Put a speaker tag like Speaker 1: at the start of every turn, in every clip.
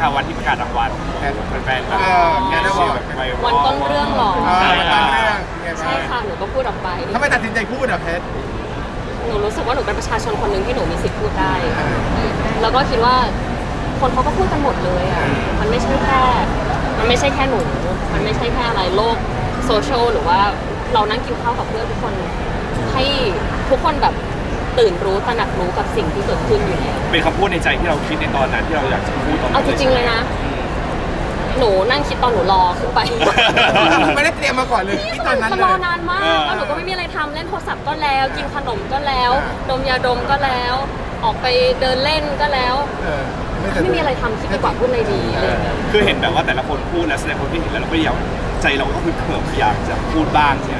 Speaker 1: ค่ะวันที่ประกาศรางวัลแฟนๆแบบแกได้บอก
Speaker 2: วันต้นเรื่องหรอ
Speaker 1: ใช่
Speaker 3: ตอนเรื่อง
Speaker 2: ใช่ค่ะหนูก็พูดออกไป
Speaker 3: ทำไมตัดสินใจพูดอ่ะเพชร
Speaker 2: หนูรู้สึกว่าหนูเป็นประชาชนคนหนึ่งที่หนูมีสิทธิ์พูดได้แล้วก็คิดว่าคนเขาก็พูดกันหมดเลยอ่ะมันไม่ใช่แค่หนูมันไม่ใช่แค่อะไรโลกโซเชียลหรือว่าเรานั่งกินข้าวกับเพื่อนทุกคนให้ทุกคนแบบตื่นรู้ตระหนักรู้กับสิ่งที่เกิดขึ้นอยู่แล้ว
Speaker 1: เป็นคำพูดในใจที่เราคิดในตอนนั้นที่เราอยากจะพูดตอนนั้น
Speaker 2: เอาจริงๆเลยนะหนูนั่งคิดตอนหนูรอขึ้นไป
Speaker 3: ไม่ได้เตรียมมาก่อนเลยที่ตอนนั้น
Speaker 2: มันรอนานมากแล้วหนูก็ไม่มีอะไรทำเล่นโทรศัพท์ก็แล้วกินขนมก็แล้วดมยาดมก็แล้วออกไปเดินเล่นก็แล้วไม่มีอะไรทำคิดดีกว่าพูดอะไรดีอะไรอย่างเงี้ย
Speaker 1: คือเห็นแบบว่าแต่ละคนพูดและแสดงความคิดเห็นแล้วเราก็อยากใจเราก็คือเขิมอยากจะพูดบ้างใช่ไหม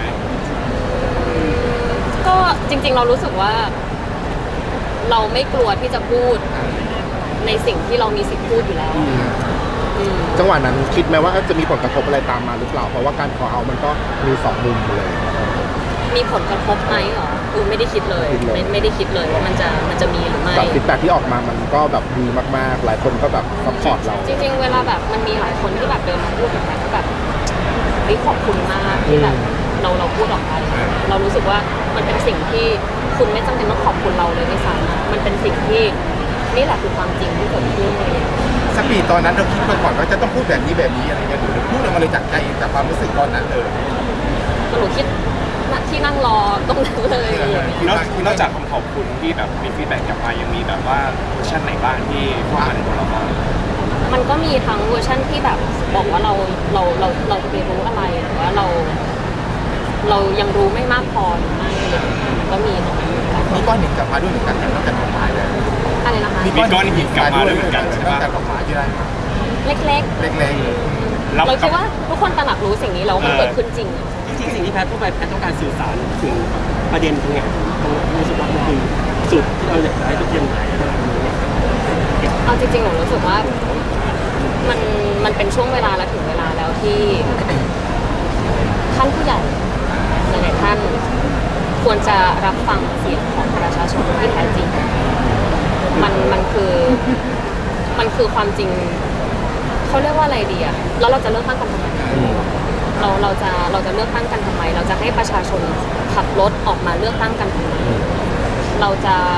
Speaker 2: ก็จริงๆเรารู้สึกว่าเราไม่กลัวที่จะพูดในสิ่งที่เรามีสิทธิ์พูดอยู่แล้ว
Speaker 4: จังหวะนั้นคิดไหมว่าจะมีผลกระทบอะไรตามมาหรือเปล่าเพราะว่าการขอเอามันก็มี2 มุมเลย
Speaker 2: มีผลกระทบไหมหรอไม่ได้คิดเลยไม่ได้คิดเลยว่ามันจะมีหรือไม่
Speaker 4: แต่ฟีดแบ็กที่ออกมามันก็แบบดีมากๆหลายคนก็แบบซัพพอร์ตเรา
Speaker 2: จริงๆเวลาแบบมันมีหลายคนที่แบบเดินมาพูดกับแพทก็แบบขอบคุณมากที่แบบเราพูดออกไปเรารู้สึกว่ามันเป็นสิ่งที่คุณไม่จำเป็นต้องขอบคุณเราเลยไม่ซ้ำมันเป็นสิ่งที่นี่แหละคือความจริงที่เกิดขึ้นเลย
Speaker 3: สปีดตอนนั้นเราคิดมาก่อนว่าจะต้องพูดแบบนี้อะไรเงี้ยหรือพูดออกมาเลยจากใจจากความรู้สึกตอนนั้นเลย
Speaker 2: หนูคิดที่นั่งรอตรงนั้นเลย
Speaker 1: นอกจากคำขอบคุณที่แบบมีฟีดแบ็กกลับมายังมีแบบว่าเวอร์ชันไหนบ้างที่เข้ามาในตัวเราบ้าง
Speaker 2: มันก็มีทั้งเวอร์ชันที่แบบบอกว่าเราจะไปรู้อะไรหรือว่าเรายังรู้ไม่มากพอหรือไม่มันก็มีตรงนั้น
Speaker 3: มีก้อนหินกลับมาด้วยเหมือนกันนอกจากดอกไม้เลย
Speaker 2: อะไรนะคะ
Speaker 1: มีก้อนหินกลับมาด้วยเหมือนกันใช่ไหม
Speaker 3: นอกจากดอกไม้ที่ได้
Speaker 2: เล็กๆเราคิดว่าทุกคนตระหนักรู้สิ่งนี้แล้วมันเกิดขึ้นจริง
Speaker 5: สิ่งที่แพทย์พูดไปแพทย์ต้องการสื่อสารถึงประเด็นตรงไหนตรงรู้สึกว่ามันคือจุดที่เราอยากได้ทุกอย่างไหน
Speaker 2: เอาจริงๆหนูรู้สึกว่ามันเป็นช่วงเวลาและถึงเวลาแล้วที่ท่านผู้ใหญ่หลายๆท่านควรจะรับฟังเสียงของประชาชนที่แท้จริงมันคือความจริงเขาเรียกว่าอะไรดีอะแล้วเราจะเลือกตั้งกันทำไมเราจะเลือกตั้งกันทำไมเราจะให้ประชาชนขับรถออกมาเลือกตั้งกันทำไมเรา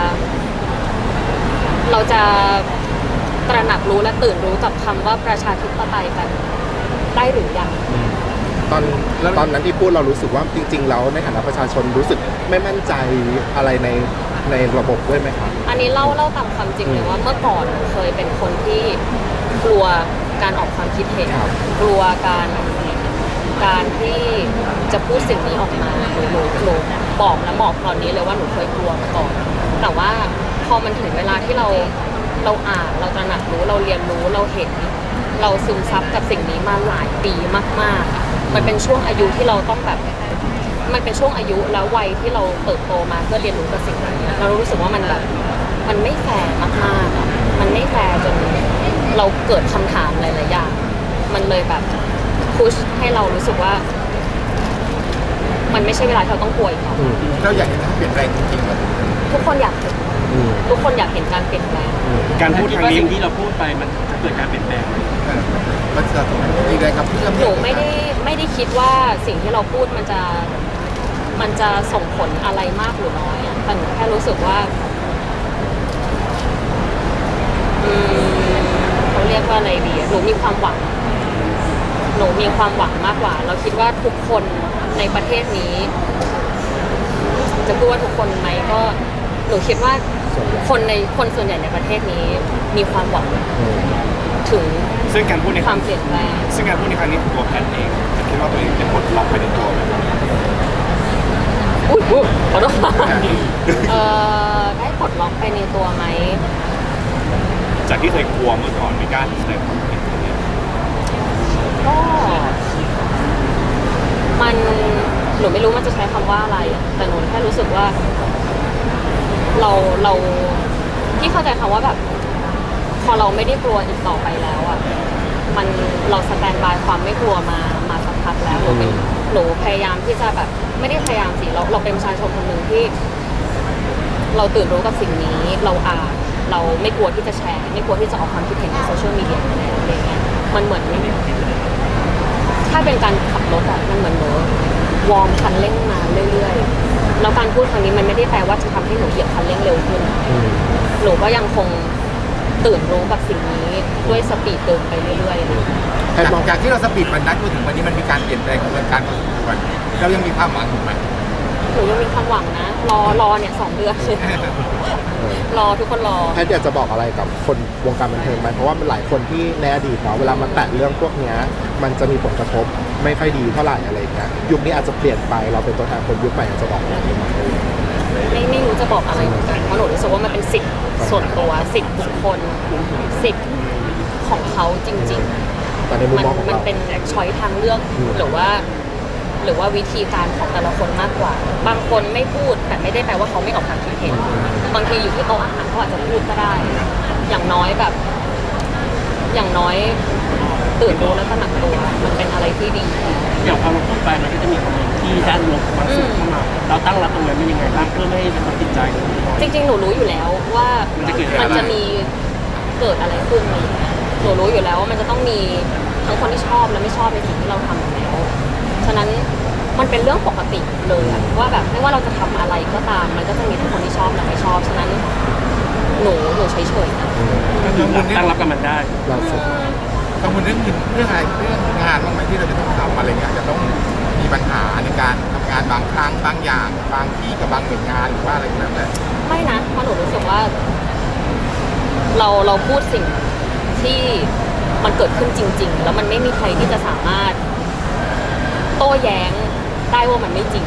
Speaker 2: จะตระหนักรู้และตื่นรู้กับคำว่าประชาธิปไตยกันได้หรือยัง
Speaker 4: ตอนนั้นที่พูดเรารู้สึกว่าจริงๆแล้วในฐานะประชาชนรู้สึกไม่มั่นใจอะไรในระบบด้วยไหมครับ
Speaker 2: อันนี้เล่าตามความจริงเลยว่าเมื่อก่อนเคยเป็นคนที่กลัวการออกความคิดเห็นกลัวการที่จะพูดสิ่งนี้ออกมาหนูบอกตอนนี้เลยว่าหนูเคยกลัวมาก่อนแต่ว่าพอมันถึงเวลาที่เราอ่านเราตระหนักรู้เราเรียนรู้เราเห็นเราซึมซับกับสิ่งนี้มาหลายปีมากๆมันเป็นช่วงอายุที่เราต้องแบบมันเป็นช่วงอายุแล้ววัยที่เราเติบโตมาเพื่อเรียนรู้กับสิ่งนี้เรารู้สึกว่ามันแบบมันไม่แฟร์มากๆมันไม่แฟร์จนเราเกิดคำถามหลายๆอย่างมันเลยแบบพุชให้เรารู้สึกว่ามันไม่ใช่เวลาที่เราต้องกลัวอีก
Speaker 3: เราอยากเห็นเปลี่ยนแปลงจริงๆ
Speaker 2: ทุกคนอยากเห็นการเปลี่ยนแปลง
Speaker 1: การพูดครั้งนี้
Speaker 5: ที่เราพูดไปมันจะเกิดการเปลี่ยนแปลง
Speaker 3: มันจะมีอะไรกับเพื่อน
Speaker 2: หนูไม่ได้คิดว่าสิ่งที่เราพูดมันจะส่งผลอะไรมากหรือน้อยแต่หนูแค่รู้สึกว่าเขาเรียกว่าอะไรดีหนูมีความหวังมากกว่าเราคิดว่าทุกคนในประเทศนี้จะพูดว่าทุกคนไหมก็หนูคิดว่าคนส่วนใหญ่ในประเทศนี้มีความหวังถึง
Speaker 1: ซึ่งการพูดใน
Speaker 2: ความเปลี่ยนแปลง
Speaker 1: ซึ่งการพูดในครั้งนี้ของตัวแพทย์เองคิดว่าตัวเองจะปลดล็อกไปในตัวไหม
Speaker 2: ขอโทษได้ปลดล็อกไปในตัวไหม
Speaker 1: จากที่เคยกลัวเมื่อก่อนไม่กล้าแสดงความคิดเห็น
Speaker 2: ก็หนูไม่รู้มันจะใช้คำว่าอะไรแต่หนูแค่รู้สึกว่าเราที่เข้าใจคำว่าแบบพอเราไม่ได้กลัวอีกต่อไปแล้วอ่ะเราสแตนบายความไม่กลัวมาสักพักแล้วหนูพยายามที่จะแบบไม่ได้พยายามสิเราเป็นประชาชนคนหนึ่งที่เราตื่นรู้กับสิ่งนี้เราอ่านเราไม่กลัวที่จะแชร์ไม่กลัวที่จะออกความคิดเห็นในโซเชียลมีเดียอะไรอย่างเงี้ยมันเหมือนถ้าเป็นการขับรถอะมันเหมือนหนูวอร์มคันเร่งมาเรื่อยๆแล้วการพูดครั้งนี้มันไม่ได้แปลว่าจะทำให้หนูเหยียบคันเร่งเร็วขึ้นหนูก็ยังคงตื่นรู้กับสิ่งนี้ด้วยสปีดเดินไปเรื่อยๆ
Speaker 3: จากที่เราสปีดมันนัดมาถึงวันนี้มันมีการเปลี่ยนแปลงของการพอสมควรเรายังมีความหวังอยู่ไหม
Speaker 2: หนูยังมีความหวังนะ รอเนี่ย2 เดือนรอทุกคนรอ
Speaker 4: แพทย์อยากจะบอกอะไรกับคนวงการบันเทิงไหมเพราะว่ามันหลายคนที่ในอดีตเนาะเวลามาแตะเรื่องพวกเนี้ยมันจะมีผลกระทบไม่ค่อยดีเท่าไหร่อะไรอย่างเงี้ยยุคนี้อาจจะเปลี่ยนไปเราเป็นตัวแทนคนยุคใหม่อยากจะบอกอะไรไหม
Speaker 2: ไม่รู้จะบอกอะไรเหมือนกันเพราะหนูรู้สึกว่ามันเป็นสิทธิ์ส่วนตัวสิทธิ์บุคคลสิทธิ์ของเขาจริง
Speaker 4: แต่ในมุมมองของ
Speaker 2: มัน
Speaker 4: เรา
Speaker 2: เป็นช้อยทางเลือกหรือว่าวิธีการของแต่ละคนมากกว่า บางคนไม่พูดแต่ไม่ได้แปลว่าเขาไม่ออกความคิดเห็นบางทีอยู่ที่โต๊ะอาหารเขาอาจจะพูดก็ได้ อย่างน้อยตื่นรู้และตระหนักตัวมันเป็นอะไรที่ดี
Speaker 5: อย่างความพูดไปมันก็จะมีคอมเมนต์ที่ด้านลบมาสู่เข้ามาเราตั้งรับตรงนั้นเป็นยังไงบ้างเพื่อไม่ให้กระทบจิตใจ
Speaker 2: จริงๆ หนูรู้อยู่แล้วว่ามันจะมีเกิดอะไรขึ้นอะไรอย่างเงี้ยหนูรู้อยู่แล้วว่ามันจะต้องมีทั้งคนที่ชอบและไม่ชอบในสิ่งที่เราทำอยู่แล้วฉะนั้นมันเป็นเรื่องปกติเลยอะว่าแบบไม่ว่าเราจะทำอะไรก็ตามมันก็จะมีทั้งคนที่ชอบและไม่ชอบฉะนั้นหนูเฉยๆนะ
Speaker 5: ตั้งรับกับมันได้
Speaker 4: ล่าสุด
Speaker 3: กังวลเรื่องอะไรเรื่องงานบ้างไหมที่เราจะต้องทำอะไรเงี้ยจะต้องมีปัญหาในการทำงานบางครั้งบางอย่างบางที่กับบางหน่วยงานหรือว่าอะไรก็แล้วแต่
Speaker 2: ไม่นะเพราะหนูรู้สึกว่าเราพูดสิ่งที่มันเกิดขึ้นจริง ๆ แล้วมันไม่มีใครที่จะสามารถโต้แย้งได้ว่ามันไม่จริง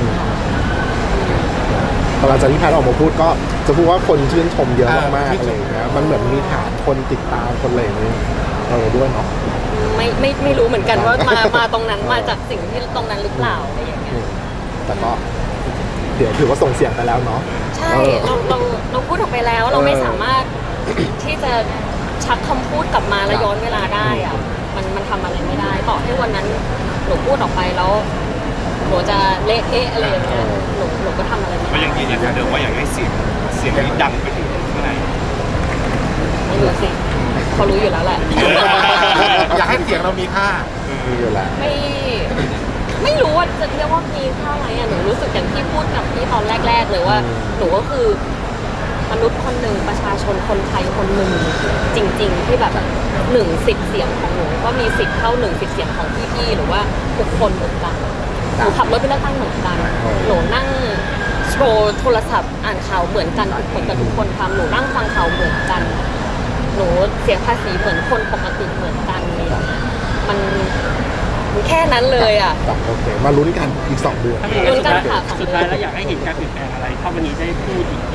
Speaker 4: พอหลังจากที่แพทย์ออกมาพูดก็จะพูดว่าคนชื่นชมเยอะมากๆอะไรอย่างเงี้ยมันเหมือนมีฐานคนติดตามคนอะไรอย่างเงี้ยด้วยเนาะ
Speaker 2: ไม่รู้เหมือนกันว่ามาตรงนั้นมาจากสิ่งที่ตรงนั้นหรือเปล่าอะไรอย่างเงี้ย
Speaker 4: แต่ก็เดี๋ยวถือว่าส่งเสียงไปแล้วเนาะ
Speaker 2: ใช่เราพูดออกไปแล้วเราไม่สามารถที่จะชักคำพูดกลับมาแล้วย้อนเวลาได้อะมันทำอะไรไม่ได้ต่อให้วันนั้นหนูพูดออกไปแล้วหนูจะเละเทะอะไรอย่างเงี้ยหนูก็ทำอะไรไม่
Speaker 1: ก็
Speaker 2: ได้
Speaker 1: ยังยืนยันเหมือนเดิมว่าอยากให้เสียงนี้ดังไปถึงข้างใน
Speaker 2: ไม่รู้สิเขารู้อยู่แล้วแหละ
Speaker 3: อยากให้เสียงเรามีค่า
Speaker 4: มีอยู่แล้ว
Speaker 2: ไม่รู้ว่าจะเรียกว่ามีค่าไหมอ่ะหนูรู้สึกอย่างที่พูดกับพี่ตอนแรกๆเลยว่าหนูก็คือมนุษย์คนหนึ่งประชาชนคนไทยคนหนึ่งจริง ๆ ที่แบบ1 สิทธิ์เสียงของหนูก็มีสิทธิ์เท่า1 สิทธิ์เสียงของพี่ๆหรือว่าทุกคนเหมือนกันหนูขับรถไปเลือกตั้งเหมือนกันหนูนั่งโชว์โทรศัพท์อ่านข่าวเหมือนกันเหมือนกับทุกคนทำหนูนั่งฟังข่าวเหมือนกันหนูเสียภาษีเหมือนคนปกติเหมือนกันเลยมันแค่นั้นเลยอ่ะ
Speaker 4: โอเคมาลุ้นกันอีก2 เดือน
Speaker 2: ลุ้นกันค่ะ
Speaker 5: สุดท้ายแล้วอยากให้เห็นการเปลี่ยนแปลงอะไรถ้าวันนี้ได้พูดอีกที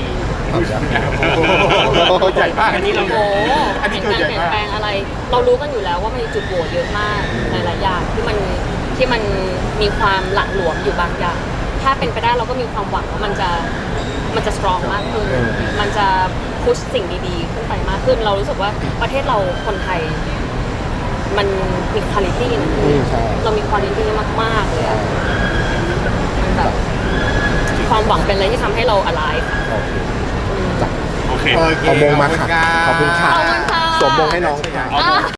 Speaker 3: ใหญ่มาก
Speaker 5: อันนี้เรา
Speaker 2: โอ้โห
Speaker 3: อันนี้
Speaker 2: เห็น
Speaker 3: ตัว
Speaker 2: การ
Speaker 3: ใหญ่
Speaker 2: เปลี่ยน
Speaker 3: มาก
Speaker 2: แปลงอะไร เรารู้กันอยู่แล้วว่ามันมีจุดโหวเยอะมากหลายๆอย่างที่มันมีความหละหลวมอยู่บางอย่าง ถ้าเป็นไปได้เราก็มีความหวังว่ามันจะสตรองมากขึ้น มันจะพุชสิ่งดีๆขึ้นไปมากขึ้น เรารู้สึกว่าประเทศเราคนไทย มันมีคุณภาพนะ
Speaker 4: ใช่
Speaker 2: เรามีคุณภาพมากๆเลยอะมันแบบความหวังเป็นอะไรที่ทำให้เรา alive
Speaker 4: โอเค
Speaker 1: โอเค
Speaker 3: โอเค
Speaker 4: เอามงมาค่ะขอบคุณค่ะ
Speaker 2: ขอบคุณค่ะ
Speaker 4: สวมมงให้น้องค่ะ
Speaker 2: อ่ะ